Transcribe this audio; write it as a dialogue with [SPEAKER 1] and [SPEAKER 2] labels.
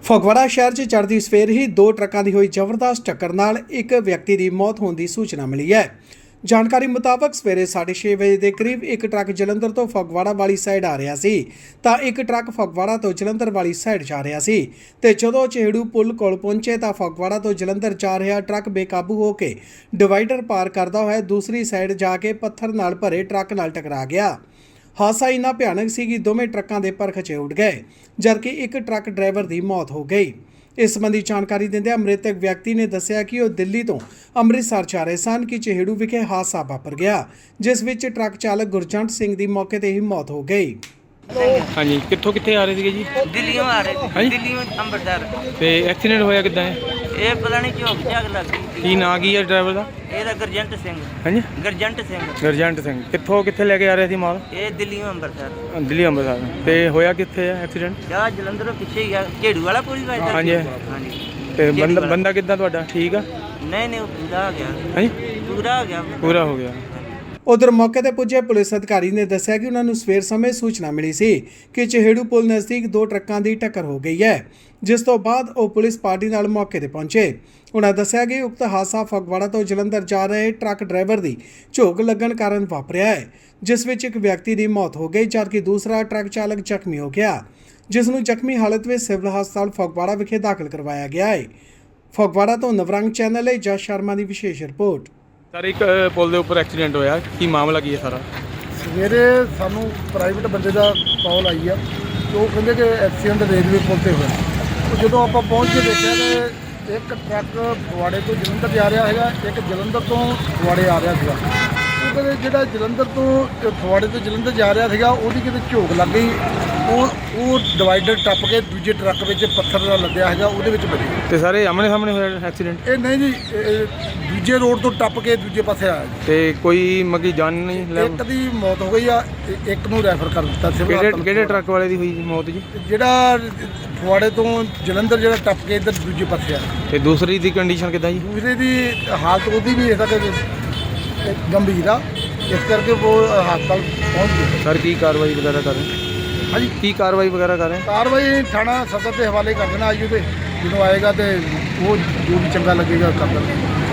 [SPEAKER 1] ਫਗਵਾੜਾ ਸ਼ਹਿਰ 'ਚ ਚੜ੍ਹਦੀ ਸਵੇਰ ਹੀ ਦੋ ਟਰੱਕਾਂ ਦੀ ਹੋਈ ਜ਼ਬਰਦਸਤ ਟੱਕਰ ਨਾਲ ਇੱਕ ਵਿਅਕਤੀ ਦੀ ਮੌਤ ਹੋਣ ਦੀ ਸੂਚਨਾ ਮਿਲੀ ਹੈ। ਜਾਣਕਾਰੀ ਮੁਤਾਬਕ ਸਵੇਰੇ 6:30 ਵਜੇ ਦੇ ਕਰੀਬ ਇੱਕ ਟਰੱਕ ਜਲੰਧਰ ਤੋਂ ਫਗਵਾੜਾ ਵਾਲੀ ਸਾਈਡ ਆ ਰਿਹਾ ਸੀ ਤਾਂ ਇੱਕ ਟਰੱਕ ਫਗਵਾੜਾ ਤੋਂ ਜਲੰਧਰ ਵਾਲੀ ਸਾਈਡ ਜਾ ਰਿਹਾ ਸੀ ਤੇ ਜਦੋਂ ਚਿਹੜੂ ਪੁਲ ਕੋਲ ਪਹੁੰਚੇ ਤਾਂ ਫਗਵਾੜਾ ਤੋਂ ਜਲੰਧਰ ਜਾ ਰਿਹਾ ਟਰੱਕ ਬੇਕਾਬੂ ਹੋ ਕੇ ਡਿਵਾਈਡਰ ਪਾਰ ਕਰਦਾ ਹੋਇਆ ਦੂਸਰੀ ਸਾਈਡ ਜਾ ਕੇ ਪੱਥਰ ਨਾਲ ਭਰੇ ਟਰੱਕ ਨਾਲ ਟਕਰਾ ਗਿਆ। ਹਾਦਸਾ ਇੰਨਾ ਭਿਆਨਕ ਸੀ ਕਿ ਦੋਵੇਂ ਟਰੱਕਾਂ ਦੇ ਪਰ ਖਚੇ ਉੱਡ ਗਏ ਜਦਕਿ ਇੱਕ ਟਰੱਕ ਡਰਾਈਵਰ ਦੀ ਮੌਤ ਹੋ ਗਈ। ਇਸ ਸੰਬੰਧੀ ਜਾਣਕਾਰੀ ਦਿੰਦਿਆਂ ਮ੍ਰਿਤਕ ਵਿਅਕਤੀ ਨੇ ਦੱਸਿਆ ਕਿ ਉਹ ਦਿੱਲੀ ਤੋਂ ਅੰਮ੍ਰਿਤਸਰ ਜਾ ਰਹੇ ਸਨ ਕਿ ਚਿਹੜੂ ਵਿਖੇ ਹਾਦਸਾ ਵਾਪਰ ਗਿਆ ਜਿਸ ਵਿੱਚ ਟਰੱਕ ਚਾਲਕ ਗੁਰਜੰਟ ਸਿੰਘ ਦੀ ਮੌਕੇ ਤੇ ਹੀ ਮੌਤ ਹੋ ਗਈ।
[SPEAKER 2] हाँ जी, कितों आ रहे थे जी?
[SPEAKER 3] दिल्ली आ रहे थे, दिल्ली में अंबरसर।
[SPEAKER 2] ਤੇ ਐਕਸੀਡੈਂਟ ਹੋਇਆ ਕਿੱਦਾਂ ਹੈ?
[SPEAKER 3] ये पता नहीं झोंक झाक लग गई।
[SPEAKER 2] ਕੀ ਨਾਂ ਕੀ ਹੈ ਡਰਾਈਵਰ ਦਾ?
[SPEAKER 3] ये गुरजंट सिंह।
[SPEAKER 2] ਹਾਂਜੀ,
[SPEAKER 3] गुरजंट सिंह।
[SPEAKER 2] ਗਰਜੰਟ ਸਿੰਘ। ਕਿੱਥੇ ਲੈ ਕੇ ਆ ਰਹੇ ਸੀ ਮਾਲ?
[SPEAKER 3] ये दिल्ली में अंबरसर।
[SPEAKER 2] ਦਿੱਲੀ ਅੰਮ੍ਰਿਤਸਰ। ਤੇ ਹੋਇਆ ਕਿੱਥੇ ਹੈ ਐਕਸੀਡੈਂਟ?
[SPEAKER 3] जहाँ जलंधर पिछे ही झेड़ू वाला पुल वाला।
[SPEAKER 2] हाँ जी।
[SPEAKER 3] हाँ जी।
[SPEAKER 2] ਤੇ ਬੰਦਾ ਕਿੱਦਾਂ ਤੁਹਾਡਾ ਠੀਕ ਆ?
[SPEAKER 3] नहीं वो पूरा हो गया।
[SPEAKER 2] ਹਾਂਜੀ,
[SPEAKER 3] पूरा हो गया।
[SPEAKER 2] ਪੂਰਾ ਹੋ ਗਿਆ।
[SPEAKER 1] ਉਧਰ ਮੌਕੇ ਤੇ ਪੁੱਜੇ ਪੁਲਿਸ ਅਧਿਕਾਰੀ ਨੇ ਦੱਸਿਆ ਕਿ ਉਹਨਾਂ ਨੂੰ ਸਵੇਰ ਸਮੇਂ ਸੂਚਨਾ ਮਿਲੀ ਸੀ ਕਿ ਚਿਹੜੂ ਪੁਲ ਨਜ਼ਦੀਕ ਦੋ ਟਰੱਕਾਂ ਦੀ ਟੱਕਰ ਹੋ ਗਈ ਹੈ ਜਿਸ ਤੋਂ ਬਾਅਦ ਉਹ ਪੁਲਿਸ ਪਾਰਟੀ ਨਾਲ ਮੌਕੇ ਤੇ ਪਹੁੰਚੇ। ਉਹਨਾਂ ਦੱਸਿਆ ਕਿ ਉਕਤ ਹਾਦਸਾ ਫਗਵਾੜਾ ਤੋਂ ਜਲੰਧਰ ਜਾ ਰਹੇ ਟਰੱਕ ਡਰਾਈਵਰ ਦੀ ਝੋਕ ਲੱਗਣ ਕਾਰਨ ਵਾਪਰਿਆ ਹੈ ਜਿਸ ਵਿੱਚ ਇੱਕ ਵਿਅਕਤੀ ਦੀ ਮੌਤ ਹੋ ਗਈ ਜਦਕਿ ਦੂਸਰਾ ਟਰੱਕ ਚਾਲਕ ਜ਼ਖਮੀ ਹੋ ਗਿਆ ਜਿਸ ਨੂੰ ਜ਼ਖਮੀ ਹਾਲਤ ਵਿੱਚ ਸਿਵਲ ਹਸਪਤਾਲ ਫਗਵਾੜਾ ਵਿਖੇ ਦਾਖਲ ਕਰਵਾਇਆ ਗਿਆ ਹੈ। ਫਗਵਾੜਾ ਤੋਂ ਨਵਰੰਗ ਚੈਨਲ ਲਈ ਜਸ ਸ਼ਰਮਾ ਦੀ ਵਿਸ਼ੇਸ਼ ਰਿਪੋਰਟ।
[SPEAKER 2] ਸਰ ਇੱਕ ਪੁਲ ਦੇ ਉੱਪਰ ਐਕਸੀਡੈਂਟ ਹੋਇਆ, ਕੀ ਮਾਮਲਾ ਕੀ ਹੈ ਸਾਰਾ?
[SPEAKER 4] ਸਵੇਰੇ ਸਾਨੂੰ ਪ੍ਰਾਈਵੇਟ ਬੰਦੇ ਦਾ ਕਾਲ ਆਈ ਆ ਤੇ ਉਹ ਕਹਿੰਦੇ ਕਿ ਐਕਸੀਡੈਂਟ ਰੇਲਵੇ ਪੁਲ ਤੇ ਹੋਇਆ। ਉਹ ਜਦੋਂ ਆਪਾਂ ਪਹੁੰਚ ਕੇ ਦੇਖਿਆ ਤੇ ਇੱਕ ਟਰੱਕ ਫਗਵਾੜੇ ਤੋਂ ਜਲੰਧਰ ਜਾ ਰਿਹਾ ਹੈਗਾ, ਇੱਕ ਜਲੰਧਰ ਤੋਂ ਫਗਵਾੜੇ ਆ ਰਿਹਾ ਸੀਗਾ। ਉਹ ਕਹਿੰਦੇ ਜਿਹੜਾ ਜਲੰਧਰ ਤੋਂ ਫਗਵਾੜੇ ਤੋਂ ਜਲੰਧਰ ਜਾ ਰਿਹਾ ਸੀਗਾ ਉਹਦੀ ਕਿਤੇ ਝੋਕ ਲੱਗ ਗਈ, ਉਹ ਡਿਵਾਈਡਰ ਟੱਪ ਕੇ ਦੂਜੇ ਟਰੱਕ ਵਿੱਚ ਪੱਥਰ ਨਾਲ ਲੱਦਿਆ ਹੈਗਾ ਉਹਦੇ ਵਿੱਚ ਵੱਜੀ।
[SPEAKER 2] ਤੇ ਸਾਰੇ ਆਮਣੇ ਸਾਹਮਣੇ ਹੋਇਆ ਐਕਸੀਡੈਂਟ?
[SPEAKER 4] ਇਹ ਨਹੀਂ ਜੀ, ਇਹ ਦੂਜੇ ਰੋਡ ਤੋਂ ਟੱਪ ਕੇ ਦੂਜੇ ਪਾਸੇ ਆਇਆ ਜੀ।
[SPEAKER 2] ਤੇ ਕੋਈ ਮਗੀ ਜਾਨ ਨਹੀਂ ਲੈ?
[SPEAKER 4] ਇੱਕ ਦੀ ਮੌਤ ਹੋ ਗਈ ਆ, ਇੱਕ ਨੂੰ ਰੈਫਰ ਕਰ ਦਿੱਤਾ ਸਿਵਲ ਹਸਪਤਾਲ।
[SPEAKER 2] ਕਿਹੜੇ ਟਰੱਕ ਵਾਲੇ ਦੀ ਹੋਈ ਜੀ ਮੌਤ ਜੀ?
[SPEAKER 4] ਜਿਹੜਾ ਫਗਵਾੜੇ ਤੋਂ ਜਲੰਧਰ ਜਿਹੜਾ ਟੱਪ ਕੇ ਇੱਧਰ ਦੂਜੇ ਪਾਸੇ ਆ।
[SPEAKER 2] ਤੇ ਦੂਸਰੀ ਦੀ ਕੰਡੀਸ਼ਨ ਕਿੱਦਾਂ ਜੀ?
[SPEAKER 4] ਦੂਸਰੇ ਦੀ ਹਾਲਤ ਉਹਦੀ ਵੀ ਇਸ ਤੱਕ ਗੰਭੀਰ ਆ, ਇਸ ਕਰਕੇ ਉਹ ਹਸਪਤਾਲ ਪਹੁੰਚ ਗਏ।
[SPEAKER 2] ਸਰ ਕੀ ਕਾਰਵਾਈ ਵਗੈਰਾ ਕਰ ਰਹੇ?
[SPEAKER 4] ਹਾਂਜੀ,
[SPEAKER 2] ਕੀ ਕਾਰਵਾਈ ਵਗੈਰਾ ਕਰ ਰਹੇ?
[SPEAKER 4] ਕਾਰਵਾਈ ਥਾਣਾ ਸਦਰ ਦੇ ਹਵਾਲੇ ਕਰ ਦੇਣਾ। ਆਈ ਉਹਦੇ ਜਦੋਂ ਆਏਗਾ ਤੇ ਉਹ ਜੋ ਵੀ ਚੰਗਾ ਲੱਗੇਗਾ ਕਰ ਦੇਣਾ।